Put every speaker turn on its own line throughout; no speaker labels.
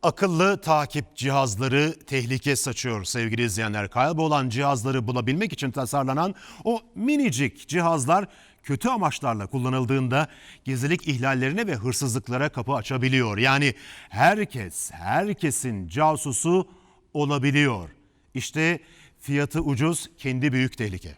Akıllı takip cihazları tehlike saçıyor sevgili izleyenler. Kaybolan cihazları bulabilmek için tasarlanan o minicik cihazlar kötü amaçlarla kullanıldığında gizlilik ihlallerine ve hırsızlıklara kapı açabiliyor. Yani herkesin casusu olabiliyor. İşte fiyatı ucuz, kendi büyük tehlike.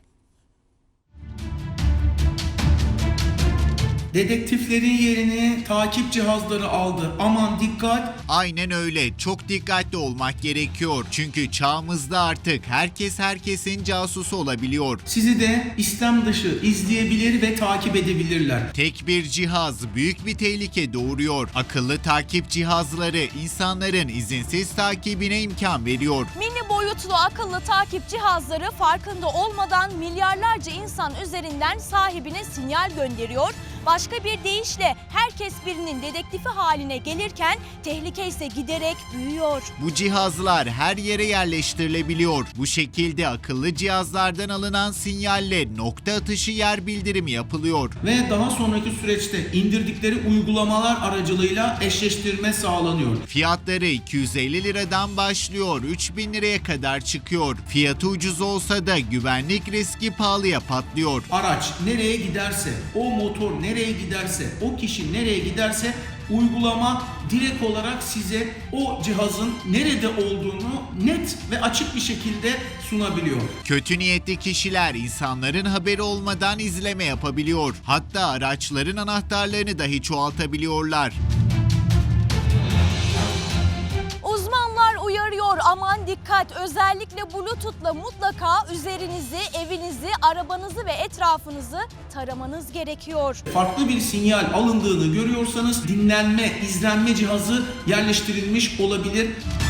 Dedektiflerin yerini takip cihazları aldı. Aman dikkat!
Aynen öyle. Çok dikkatli olmak gerekiyor. Çünkü çağımızda artık herkesin casusu olabiliyor.
Sizi de istem dışı izleyebilir ve takip edebilirler.
Tek bir cihaz büyük bir tehlike doğuruyor. Akıllı takip cihazları insanların izinsiz takibine imkan veriyor.
Mini boyutlu akıllı takip cihazları farkında olmadan milyarlarca insan üzerinden sahibine sinyal gönderiyor. Başka bir deyişle herkes birinin dedektifi haline gelirken tehlike ise giderek büyüyor.
Bu cihazlar her yere yerleştirilebiliyor. Bu şekilde akıllı cihazlardan alınan sinyalle nokta atışı yer bildirimi yapılıyor.
Ve daha sonraki süreçte indirdikleri uygulamalar aracılığıyla eşleştirme sağlanıyor.
Fiyatları 250 liradan başlıyor, 3000 liraya kadar çıkıyor. Fiyatı ucuz olsa da güvenlik riski pahalıya patlıyor.
Araç nereye giderse, o motor nereye giderse, o kişi nereye giderse uygulama direkt olarak size o cihazın nerede olduğunu net ve açık bir şekilde sunabiliyor.
Kötü niyetli kişiler insanların haberi olmadan izleme yapabiliyor. Hatta araçların anahtarlarını dahi çoğaltabiliyorlar.
Uzmanlar uyarıyor, aman dikkat, özellikle Bluetooth'la mutlaka üzerinizi, evinizi, arabanızı ve etrafınızı taramanız gerekiyor.
Farklı bir sinyal alındığını görüyorsanız dinlenme, izlenme cihazı yerleştirilmiş olabilir.